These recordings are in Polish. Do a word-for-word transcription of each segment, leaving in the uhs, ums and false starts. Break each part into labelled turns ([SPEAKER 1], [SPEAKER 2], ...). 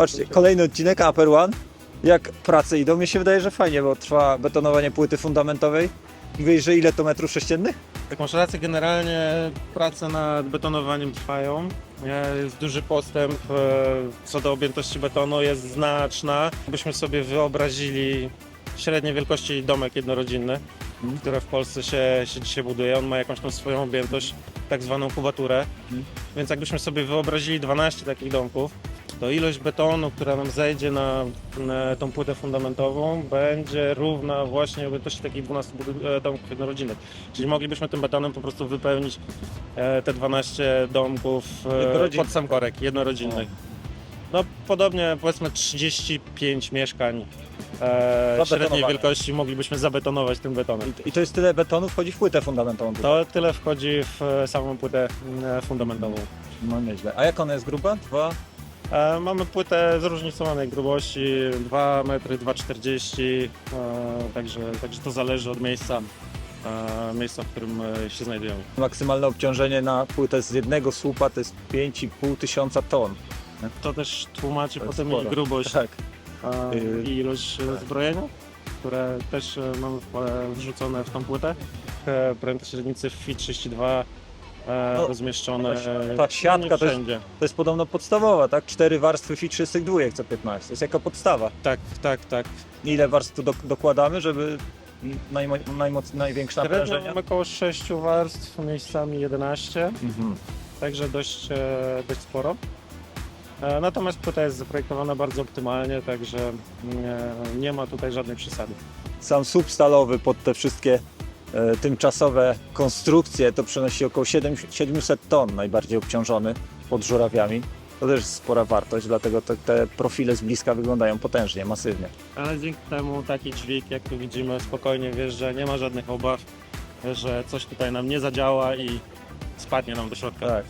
[SPEAKER 1] Patrzcie, kolejny odcinek Upper One. Jak prace idą? Mi się wydaje, że fajnie, bo trwa betonowanie płyty fundamentowej. Mówisz, że ile to metrów sześciennych?
[SPEAKER 2] Tak, masz rację, generalnie prace nad betonowaniem trwają. Jest duży postęp e, co do objętości betonu, jest znaczna. Byśmy sobie wyobrazili średniej wielkości domek jednorodzinny,
[SPEAKER 1] Mhm.
[SPEAKER 2] które w Polsce się, się dzisiaj buduje. On ma jakąś tam swoją objętość, tak zwaną kubaturę.
[SPEAKER 1] Mhm.
[SPEAKER 2] Więc jakbyśmy sobie wyobrazili dwanaście takich domków, to ilość betonu, która nam zejdzie na, na tą płytę fundamentową, będzie równa właśnie objętości takich dwunastu budy- e, domków jednorodzinnych. Czyli moglibyśmy tym betonem po prostu wypełnić e, te dwanaście domków e,
[SPEAKER 1] Jednorodzinnych.
[SPEAKER 2] pod sam korek, jednorodzinnych. No podobnie powiedzmy trzydzieści pięć mieszkań e, średniej
[SPEAKER 1] Zabetonowane.
[SPEAKER 2] wielkości moglibyśmy zabetonować tym betonem.
[SPEAKER 1] I to jest tyle betonu wchodzi w płytę fundamentową.
[SPEAKER 2] To tyle wchodzi w e, samą płytę e, fundamentową.
[SPEAKER 1] No nieźle. A jak ona jest gruba? Dwa?
[SPEAKER 2] E, Mamy płytę zróżnicowanej grubości, dwa metry, dwa czterdzieści, e, także, także to zależy od miejsca, e, miejsca, w którym e, się znajdujemy.
[SPEAKER 1] Maksymalne obciążenie na płytę z jednego słupa to jest pięć i pół tysiąca ton.
[SPEAKER 2] To też tłumaczy
[SPEAKER 1] To jest
[SPEAKER 2] potem
[SPEAKER 1] sporo.
[SPEAKER 2] jej grubość
[SPEAKER 1] Tak.
[SPEAKER 2] e,
[SPEAKER 1] Yy,
[SPEAKER 2] i ilość e, zbrojenia, które też e, mamy e, wrzucone w tą płytę. E, Pręty średnicy w F I trzydzieści dwa e,
[SPEAKER 1] No,
[SPEAKER 2] rozmieszczone
[SPEAKER 1] ta
[SPEAKER 2] e,
[SPEAKER 1] siatka
[SPEAKER 2] nie
[SPEAKER 1] to jest-
[SPEAKER 2] wszędzie.
[SPEAKER 1] To jest podobno podstawowa, tak? Cztery warstwy F I trzydzieści dwa co piętnaście. To jest jako podstawa.
[SPEAKER 2] Tak, tak, tak.
[SPEAKER 1] Ile warstw tu dok- dokładamy, żeby najmo- najmoc- największe
[SPEAKER 2] Średnio
[SPEAKER 1] naprężenia?
[SPEAKER 2] mamy około sześciu warstw, miejscami jedenaście.
[SPEAKER 1] Mhm.
[SPEAKER 2] Także dość, e, dość sporo. E, Natomiast płyta jest zaprojektowana bardzo optymalnie, także nie, nie ma tutaj żadnej przesady.
[SPEAKER 1] Sam słup stalowy pod te wszystkie e, tymczasowe konstrukcje to przenosi około siedem- siedemset ton, najbardziej obciążony pod żurawiami. To też jest spora wartość, dlatego te, te profile z bliska wyglądają potężnie, masywnie.
[SPEAKER 2] Ale dzięki temu taki dźwig, jak tu widzimy, spokojnie wiesz, że nie ma żadnych obaw, że coś tutaj nam nie zadziała i spadnie nam do środka.
[SPEAKER 1] Tak.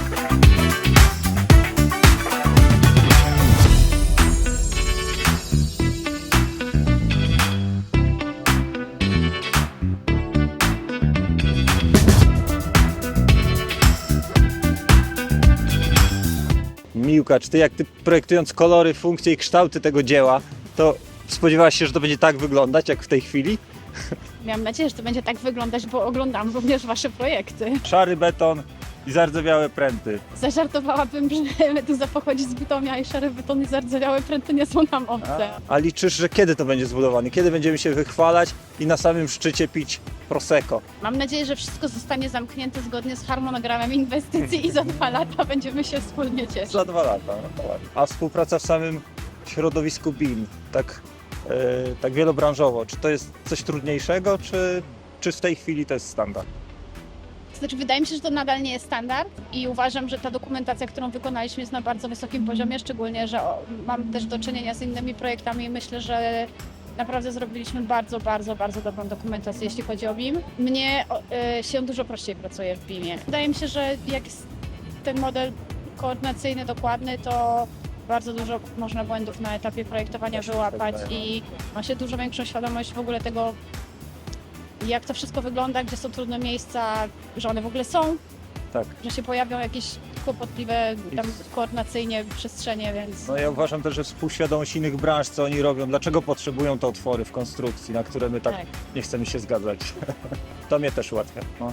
[SPEAKER 1] Miłka, czy ty jak ty projektując kolory, funkcje i kształty tego dzieła, to spodziewałaś się, że to będzie tak wyglądać jak w tej chwili?
[SPEAKER 3] Miałam nadzieję, że to będzie tak wyglądać, bo oglądam również Wasze projekty.
[SPEAKER 1] Szary beton i zardzewiałe pręty.
[SPEAKER 3] Zażartowałabym, że meduza pochodzi z Bytomia i szare betony zardzewiałe pręty nie są nam obce.
[SPEAKER 1] A liczysz, że kiedy to będzie zbudowane? Kiedy będziemy się wychwalać i na samym szczycie pić prosecco?
[SPEAKER 3] Mam nadzieję, że wszystko zostanie zamknięte zgodnie z harmonogramem inwestycji i za dwa lata będziemy się wspólnie cieszyć.
[SPEAKER 1] Za dwa lata. no to ładnie. A współpraca w samym środowisku B I M, tak, e, tak wielobranżowo, czy to jest coś trudniejszego, czy, czy w tej chwili to jest standard?
[SPEAKER 3] To znaczy, wydaje mi się, że to nadal nie jest standard i uważam, że ta dokumentacja, którą wykonaliśmy, jest na bardzo wysokim poziomie, szczególnie, że o, mam też do czynienia z innymi projektami i myślę, że naprawdę zrobiliśmy bardzo, bardzo, bardzo dobrą dokumentację, jeśli chodzi o B I M. Mnie o, y, się dużo prościej pracuje w B I M-ie. Wydaje mi się, że jak jest ten model koordynacyjny dokładny, to bardzo dużo można błędów na etapie projektowania wyłapać i ma się dużo większą świadomość w ogóle tego, jak to wszystko wygląda, gdzie są trudne miejsca, że one w ogóle są,
[SPEAKER 1] Tak.
[SPEAKER 3] że się pojawią jakieś kłopotliwe tam koordynacyjnie przestrzenie, więc
[SPEAKER 1] No ja uważam też, że współświadomość innych branż, co oni robią, dlaczego potrzebują te otwory w konstrukcji, na które my tak,
[SPEAKER 3] tak.
[SPEAKER 1] nie chcemy się zgadzać. To mnie też ułatwia. No.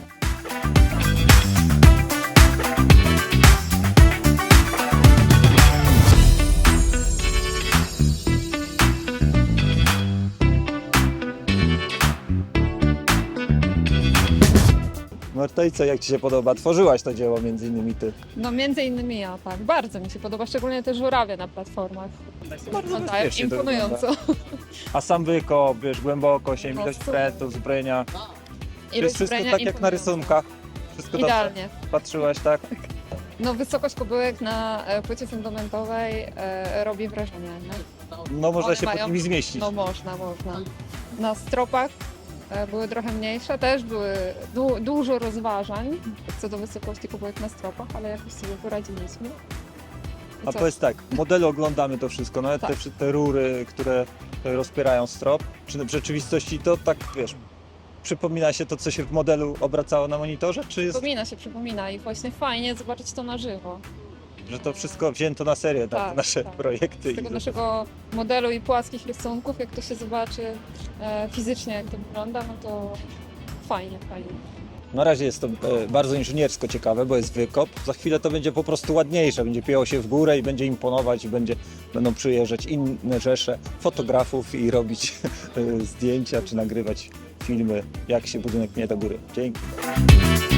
[SPEAKER 1] Marta, i co, jak Ci się podoba? Tworzyłaś to dzieło między innymi Ty.
[SPEAKER 4] No między innymi ja, tak. Bardzo mi się podoba, szczególnie te żurawie na platformach.
[SPEAKER 1] Bardzo
[SPEAKER 4] No tak,
[SPEAKER 1] bezpiecznie to
[SPEAKER 4] imponująco.
[SPEAKER 1] A sam wykop, wiesz, głębokość,
[SPEAKER 4] No,
[SPEAKER 1] ilość
[SPEAKER 4] super.
[SPEAKER 1] prętów, zbrojenia. To
[SPEAKER 4] Ilość
[SPEAKER 1] jest wszystko
[SPEAKER 4] zbrojenia
[SPEAKER 1] tak jak na
[SPEAKER 4] imponująca.
[SPEAKER 1] rysunkach. Wszystko dobrze
[SPEAKER 4] Idealnie.
[SPEAKER 1] patrzyłaś, tak?
[SPEAKER 4] No wysokość kubyłek na e, płycie fundamentowej e, robi wrażenie, nie?
[SPEAKER 1] No można
[SPEAKER 4] One
[SPEAKER 1] się pod
[SPEAKER 4] mają-
[SPEAKER 1] nimi zmieścić.
[SPEAKER 4] No można, można. Na stropach e, były trochę mniejsze, też były du dużo rozważań co do wysokości kubyłek na stropach, ale jakoś sobie poradziliśmy. I
[SPEAKER 1] A
[SPEAKER 4] co?
[SPEAKER 1] powiedz tak, w modelu oglądamy to wszystko, nawet
[SPEAKER 4] Tak.
[SPEAKER 1] te, wszy- te rury, które rozpierają strop. Czy w rzeczywistości to tak, wiesz, przypomina się to, co się w modelu obracało na monitorze, czy jest...
[SPEAKER 4] Przypomina się, przypomina i właśnie fajnie zobaczyć to na żywo.
[SPEAKER 1] że to wszystko wzięto na serio, na
[SPEAKER 4] Tak,
[SPEAKER 1] nasze
[SPEAKER 4] tak.
[SPEAKER 1] projekty.
[SPEAKER 4] Z tego
[SPEAKER 1] i-
[SPEAKER 4] naszego modelu i płaskich rysunków, jak to się zobaczy e, fizycznie, jak to wygląda, no to fajnie, fajnie.
[SPEAKER 1] Na razie jest to e, bardzo inżyniersko ciekawe, bo jest wykop. Za chwilę to będzie po prostu ładniejsze, będzie pięło się w górę i będzie imponować i będzie, będą przyjeżdżać inne rzesze fotografów i robić e, zdjęcia czy nagrywać filmy, jak się budynek pnie do góry. Dzięki.